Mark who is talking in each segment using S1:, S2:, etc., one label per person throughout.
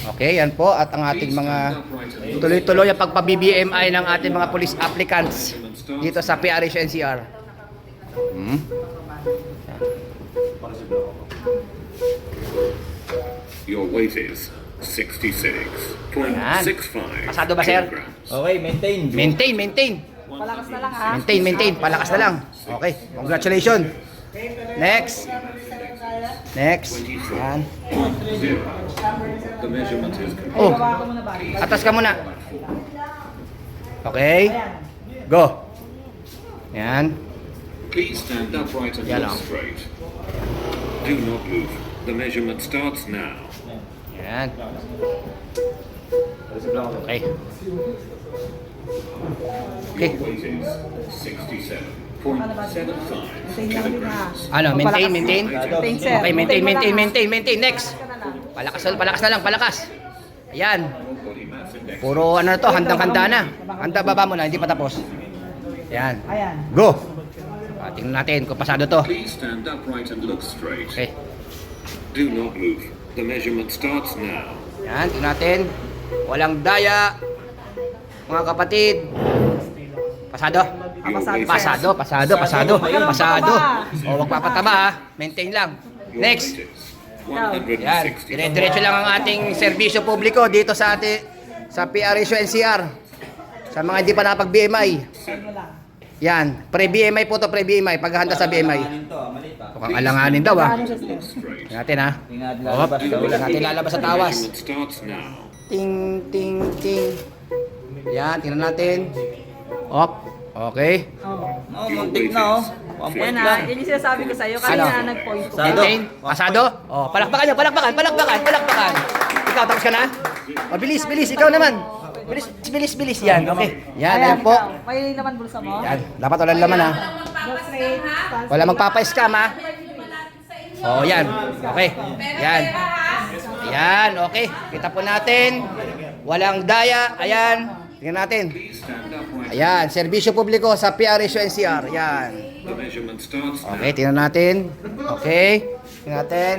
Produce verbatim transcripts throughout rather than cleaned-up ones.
S1: Okay, yan po. At ang ating mga tuloy-tuloy ang pagpa-B B M I ng ating mga police applicants dito sa P R H N C R. Hmm.
S2: Your weight is sixty-six point six five
S1: Pasado ba, sir?
S2: kilograms.
S3: Okay, maintain.
S1: Maintain, maintain.
S4: Palakas na lang ha.
S1: Maintain, maintain. Palakas na lang. Okay, congratulations. Next. Next. Yan.
S2: Zero. The measurement is complete.
S1: Oh, atas ka muna. Okay. Go. Yan.
S2: Please stand upright and
S1: Yan,
S2: look
S1: oh.
S2: straight. Do not move. The measurement starts now.
S1: Yan. Okay. Okay.
S2: Your weight is sixty-seven point seven five kilograms.
S1: Ano, maintain, maintain.
S4: Maintain, sir.
S1: Okay, maintain,
S4: mo
S1: maintain,
S4: lang, ha.
S1: maintain, maintain. Next. Palakas, palakas na lang, palakas. Ayan.
S2: Body mass index.
S1: Puro ano na to, handang-handa na. Handa baba mo na, hindi pa tapos. Ayan.
S4: Ayan.
S1: Go. Ah, tingnan natin kung pasado to.
S2: Please stand upright and look straight.
S1: Okay.
S2: Do not move. The measurement starts now.
S1: Ayan, tingnan natin. Walang daya. Mga kapatid. Pasado.
S4: Ah, pasado, sir.
S1: Pasado, pasado, pasado. Pasado. O, wag papataba ha. Maintain lang.
S2: Your
S1: Next.
S2: weight is one hundred
S1: Yan.
S2: sixty.
S1: Dire-diretso lang ang ating serbisyo publiko dito sa ati, sa P R H N C R. Sa mga hindi pa nakapag-B M I. Yan. Pre-B M I po to, pre-B M I. Paghahanda sa B M I.
S3: Alanganin to, ah, mali pa.
S1: Mukhang alanganin daw ha.
S4: Ano siya, sir?
S2: Look straight.
S1: Tingnan natin ha.
S3: Tingnan natin
S1: Oh,
S3: lalabas daw.
S1: wala natin lalabas sa
S2: The
S1: tawas.
S2: measurement starts now.
S1: Ting, ting, ting. Yan, tingnan natin. Op. Okay.
S4: Oo.
S3: Oh, muntik na oh. One point
S4: Yan
S3: lang.
S4: ha. Yun yung sinasabi ko sa'yo.
S1: Ano?
S4: Kanina nag-point ko.
S3: Pasado.
S1: Maintain. Pasado. Oh, palakpakan nyo, palakpakan, palakpakan, palakpakan. Ikaw, tapos ka na? Oh, bilis, bilis. Ikaw naman. Bilis, bilis, bilis. Yan, okay. Yan, ayan po.
S4: ikaw. May naman bulsa mo.
S1: Yan, dapat walang laman ha.
S4: Go straight. Stance.
S1: Wala magpapa-scam ha. Oh, yan. Okay. Yan. Yan, okay. Kita po natin. Walang daya. Ayan. Tingnan natin.
S2: Please stand upright.
S1: Ayan, serbisyo publiko sa P R H N C R. Yan.
S2: The measurement starts now.
S1: Okay, tingnan natin. Okay. Tingnan natin.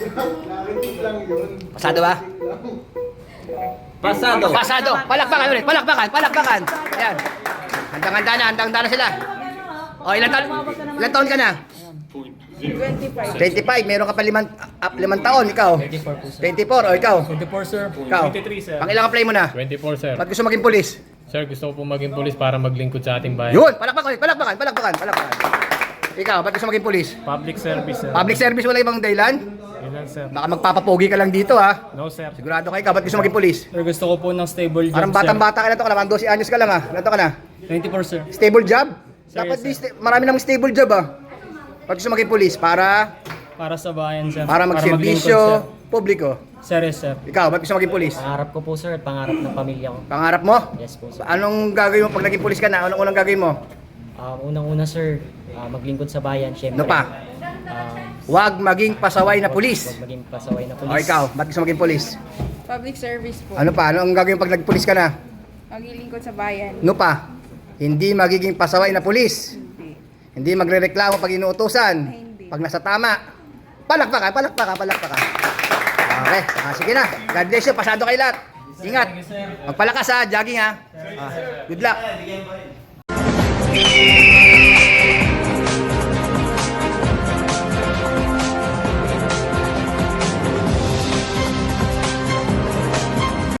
S1: Pasado ba?
S3: Pasado.
S1: Pasado. Palakpakan ulit. Palakpakan. Palakpakan. Ayan. Handang-handa na. Handang-handa na sila. O, ilan taon? Ilan taon ka na?
S2: Point zero.
S4: twenty-five.
S1: twenty-five. Meron ka pa limang, up, limang taon. Ikaw?
S5: twenty-four po, sir.
S1: twenty-four. O, ikaw?
S5: twenty-four, sir.
S1: Ikaw?
S5: twenty-three, sir.
S1: Pang ilang apply mo na?
S5: twenty-four, sir.
S1: Ba't gusto maging pulis?
S5: Sir, gusto ko po maging polis para maglingkod sa ating bayan.
S1: Yun! Palakpakan ulit. Palakpakan. Palakpakan. Palakpakan. Ikaw, ba't gusto maging pulis?
S5: Public service, sir.
S1: Public service wala ibang dahilan?
S5: Yun lang, sir.
S1: Baka magpapapogi ka lang dito ha.
S5: No, sir.
S1: Sigurado ka ikaw, ba't gusto maging pulis?
S5: Sir, gusto ko po ng stable job,
S1: Parang batang-bata ka na to, ka naman, twelve anyos ka lang ha. Ilan to ka na?
S5: sir. twenty-four, sir.
S1: Stable job?
S5: Sir,
S1: Dapat
S5: yes,
S1: di, sta- marami namang stable job ah. Ba't gusto maging pulis? Para,
S5: Para sa bayan, sir.
S1: para magserbisyo publiko.
S5: maglingkod, sir. Sir, yes, sir.
S1: Ikaw, ba't gusto maging pulis?
S6: Pangarap ko po sir at pangarap ng pamilya ko.
S1: Pangarap mo?
S6: Yes po sir.
S1: Anong gagawin mo pag naging pulis ka na? Anong unang gagawin mo?
S6: Um, unang-una sir, ah, maglingkod sa bayan, syempre.
S1: Ano pa?
S6: Um,
S1: Huwag maging pasaway na pulis.
S6: Huwag maging pasaway na
S1: O
S6: pulis.
S1: ikaw, ba't gusto maging pulis?
S7: Public service po.
S1: Ano pa? Ano ang gagawin pag nagpulis ka na?
S7: Maglilingkod sa bayan.
S1: Ano pa? Hindi magiging pasaway na pulis. Hindi magrereklamo pag inuutosan.
S7: Hindi.
S1: Pag nasa tama. Palakpakan, palakpakan, palakpakan. Okay, ah, sige na. God bless you. Pasado kayo lahat. Ingat. Magpalakas ha. Jogging ha. Ah, good luck.